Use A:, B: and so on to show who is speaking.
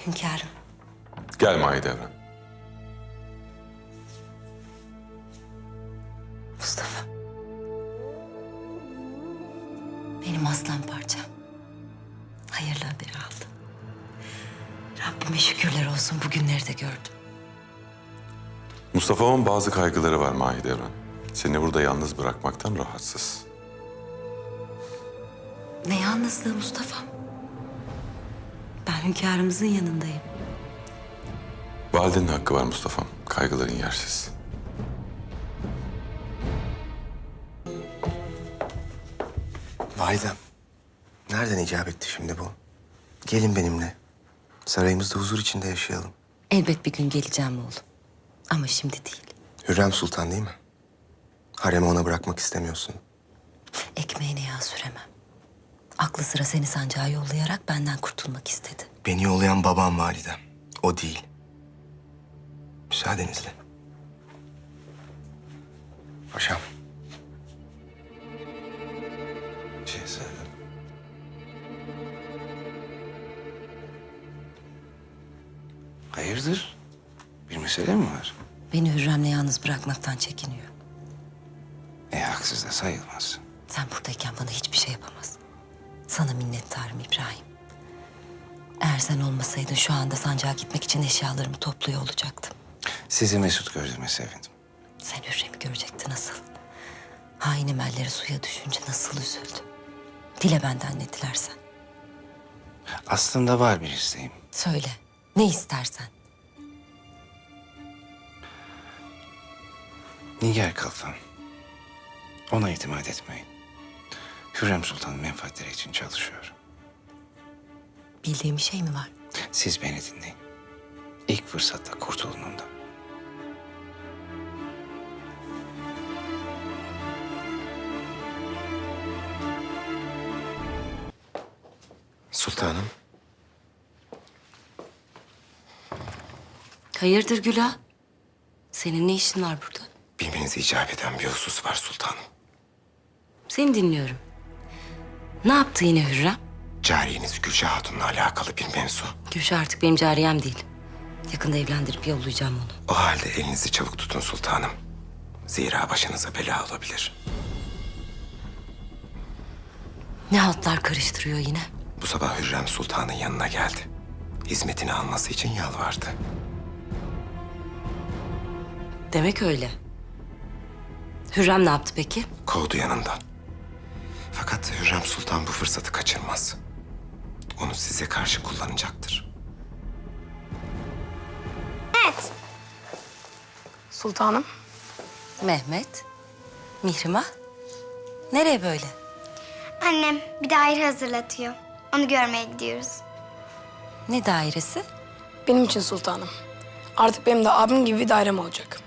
A: Hünkârım.
B: Gel Mahidevran.
A: Mustafa. Benim aslan parçam. Hayırlı haberi aldım. Rabbime şükürler olsun bugünleri de gördüm.
B: Mustafa'nın bazı kaygıları var Mahidevran. Seni burada yalnız bırakmaktan rahatsız.
A: Ne yalnızlığı Mustafa'm. Ben hünkârımızın yanındayım.
B: Validenin hakkı var Mustafa'm. Kaygıların yersiz.
C: Validem, nereden icap etti şimdi bu? Gelin benimle. Sarayımızda huzur içinde yaşayalım.
A: Elbet bir gün geleceğim oğlum. Ama şimdi değil.
C: Hürrem Sultan değil mi? Haremi ona bırakmak istemiyorsun.
A: Ekmeğine yağ süremem. Aklı sıra seni sancağa yollayarak benden kurtulmak istedi.
C: Beni yollayan babam validem. O değil. Müsaadenizle. Paşam. Şehzadem.
D: Hayırdır? Bir mesele mi var?
A: Beni Hürrem'le yalnız bırakmaktan çekiniyor.
D: Haksız da sayılmaz.
A: Sen buradayken bana hiçbir şey yapamaz. Sana minnettarım İbrahim. Eğer sen olmasaydın şu anda sancağa gitmek için eşyalarımı topluyor olacaktım.
D: Sizi mesut gördüğüme sevindim.
A: Sen Hürrem'i görecektin nasıl? Hain emelleri suya düşünce nasıl üzüldü. Dile benden ne dilersen.
D: Aslında var bir isteğim.
A: Söyle, ne istersen.
D: Nigar Kalfan. Ona itimat etmeyin. Hürrem Sultan'ın menfaatleri için çalışıyor.
A: Bildiğim bir şey mi var?
D: Siz beni dinleyin. İlk fırsatta kurtulun ondan.
C: Sultanım.
A: Hayırdır Güla? Senin ne işin var burada?
C: Bilmenizi icap eden bir husus var sultanım.
A: Seni dinliyorum. Ne yaptı yine Hürrem?
C: Cariyeniz Gülşah Hatun'la alakalı bir mevzu.
A: Gülşah artık benim cariyem değil. Yakında evlendirip yollayacağım onu.
C: O halde elinizi çabuk tutun sultanım. Zira başınıza bela olabilir.
A: Ne haltlar karıştırıyor yine?
C: Bu sabah Hürrem Sultan'ın yanına geldi. Hizmetini alması için yalvardı.
A: Demek öyle. Hürrem ne yaptı peki?
C: Kovdu yanından. Fakat Hürrem Sultan bu fırsatı kaçırmaz. Onu size karşı kullanacaktır.
E: Sultanım.
A: Mehmet, Mihrimah. Nereye böyle?
F: Annem bir daire hazırlatıyor. Onu görmeye gidiyoruz.
A: Ne dairesi?
E: Benim için sultanım. Artık benim de abim gibi bir dairem olacak.